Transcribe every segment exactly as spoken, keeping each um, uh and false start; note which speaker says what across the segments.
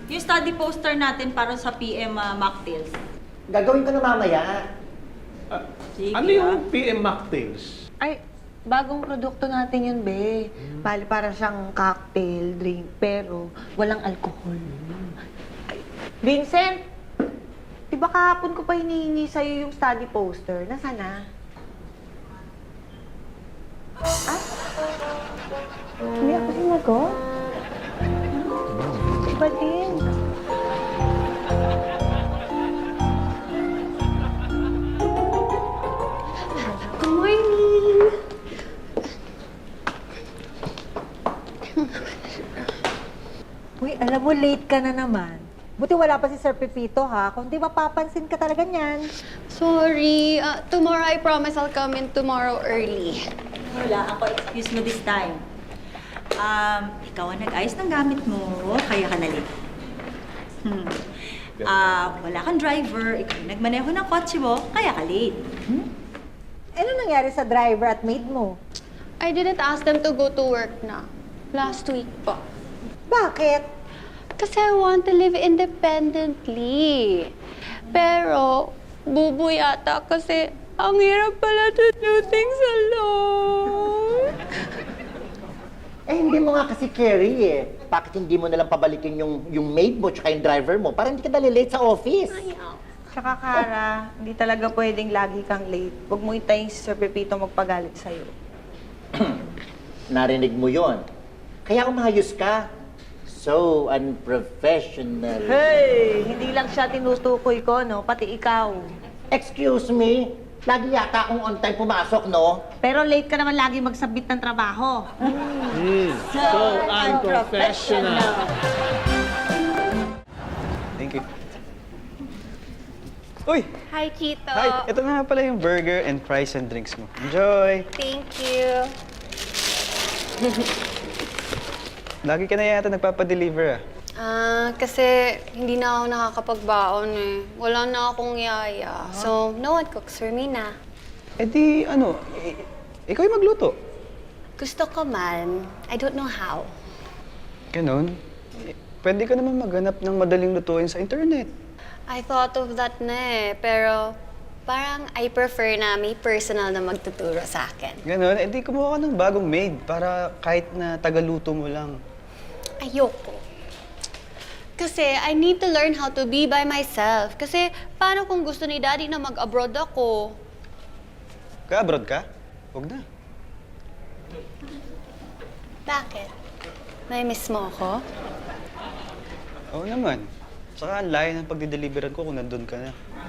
Speaker 1: Yung study poster natin para sa P M uh, mocktails.
Speaker 2: Gagawin ko na mamaya.
Speaker 3: Ah,
Speaker 1: Sige,
Speaker 3: ano
Speaker 1: ah.
Speaker 3: yung P M mocktails?
Speaker 4: Ay, bagong produkto natin yun, be. Bali, para siyang cocktail, drink, pero walang alcohol. Ay, Vincent! Di ba kahapon ko pa hinihingi sa'yo yung study poster? Nasaan na? Ah? Hindi ako sinagot? Iba din.
Speaker 5: Good morning!
Speaker 6: Uy, alam mo, late ka na naman. Buti wala pa si Sir Pepito, ha? Kung di mapapansin ka talaga niyan.
Speaker 5: Sorry. Uh, tomorrow, I promise I'll come in tomorrow early.
Speaker 1: Wala ako excuse mo this time. Um, ikaw ang nag-ayos ng gamit mo, kaya ka na late. Hmm. Ah, wala kang driver, ikaw yung nagmaneho ng kotse mo, kaya ka late.
Speaker 6: Hmm? Ano nangyari sa driver at maid mo?
Speaker 5: I didn't ask them to go to work na. Last week pa.
Speaker 6: Bakit?
Speaker 5: Kasi I want to live independently. Pero, bubo yata kasi ang hirap pala to do things alone.
Speaker 2: Eh, hindi mo nga kasi carry eh. Bakit hindi mo nalang pabalikin yung, yung maid mo tsaka yung driver mo para hindi ka dali-late sa office?
Speaker 5: Ayaw.
Speaker 4: Tsaka, Kara, hindi talaga pwedeng lagi kang late. Huwag mo itayin si Sir Pepito magpagalit sa'yo.
Speaker 2: Narinig mo yon. Kaya umayos ka. So unprofessional.
Speaker 4: Hey! Hindi lang siya tinutukoy ko, no? Pati ikaw.
Speaker 2: Excuse me? Lagi yata akong on time pumasok, no?
Speaker 4: Pero late ka naman lagi magsabit ng trabaho.
Speaker 3: Hmm, so unprofessional.
Speaker 7: Thank you. Uy!
Speaker 5: Hi, Chito.
Speaker 7: Hi! Ito na nga pala yung burger and fries and drinks mo. Enjoy!
Speaker 5: Thank you.
Speaker 7: Lagi ka na yata nagpapadeliver ah.
Speaker 5: Ah, kasi hindi na ako nakakapagbaon eh. Wala na akong yaya. So, no one cooks for me na.
Speaker 7: Eh di, ano, i- ikaw yung magluto.
Speaker 5: Gusto ko man. I don't know how.
Speaker 7: Ganon. Eh, Pwede ka naman maghanap ng madaling lutuin sa internet.
Speaker 5: I thought of that na eh. Pero parang I prefer na may personal na magtuturo sa akin.
Speaker 7: Ganon, eh di kumuha ka ng bagong maid para kahit na tagaluto mo lang.
Speaker 5: Ayoko. Kasi I need to learn how to be by myself. Kasi paano kung gusto ni Daddy na mag-abroad ako?
Speaker 7: Ka-abroad ka? Huwag na.
Speaker 5: Bakit? May miss mo ako?
Speaker 7: Oo naman. Saka ang layo ng pagdideliveran ko kung nandun ka na.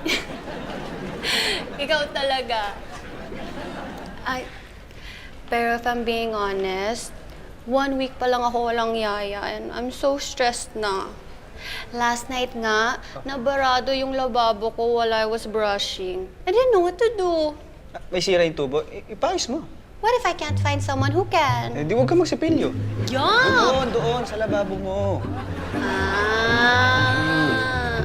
Speaker 5: Ikaw talaga. Ay, pero if I'm being honest, one week pa lang ako walang yaya and I'm so stressed na. Last night nga, nabarado yung lababo ko while I was brushing. I didn't know what to do.
Speaker 7: Ah, may sira yung tubo, I- ipayos mo.
Speaker 5: What if I can't find someone who can?
Speaker 7: Eh di huwag ka magsipilyo.
Speaker 5: Yeah!
Speaker 7: Doon, doon, sa lababo mo.
Speaker 5: Ah.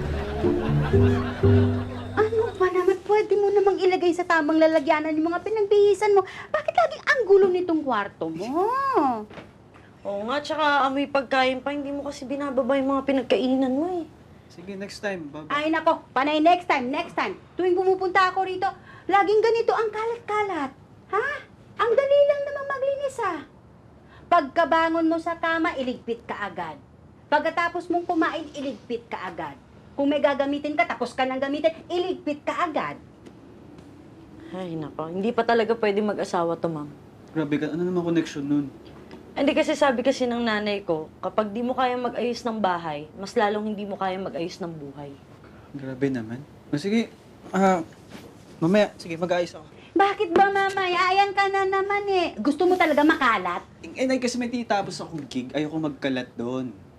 Speaker 8: Ano ba naman? Pwede mo namang ilagay sa tamang lalagyanan yung mga pinagbihisan mo. Bakit laging ang gulo nitong kwarto mo?
Speaker 4: Oo nga, tsaka amoy pagkain pa, hindi mo kasi binababa yung mga pinagkainan mo eh.
Speaker 7: Sige, next time. Bye-bye.
Speaker 8: Ay nako, panay next time, next time. Tuwing pumupunta ako rito, laging ganito ang kalat-kalat. Ha? Ang dali lang namang maglinis ah. Pagkabangon mo sa kama, iligpit ka agad. Pagkatapos mong kumain, iligpit ka agad. Kung may gagamitin ka, tapos ka nang gamitin, iligpit ka agad.
Speaker 9: Ay, nako. Hindi pa talaga pwede mag-asawa to, ma'am.
Speaker 7: Grabe ka, ano naman connection nun?
Speaker 9: Hindi kasi sabi kasi ng nanay ko, kapag di mo kaya mag-ayos ng bahay, mas lalong hindi mo kaya mag-ayos ng buhay.
Speaker 7: Grabe naman. O sige, ah, mamaya, sige, mag-aayos ako.
Speaker 8: Bakit ba mamaya? Ayan ka na naman eh. Gusto mo talaga makalat?
Speaker 7: Eh, nay, kasi may titapos akong gig, ayoko magkalat doon.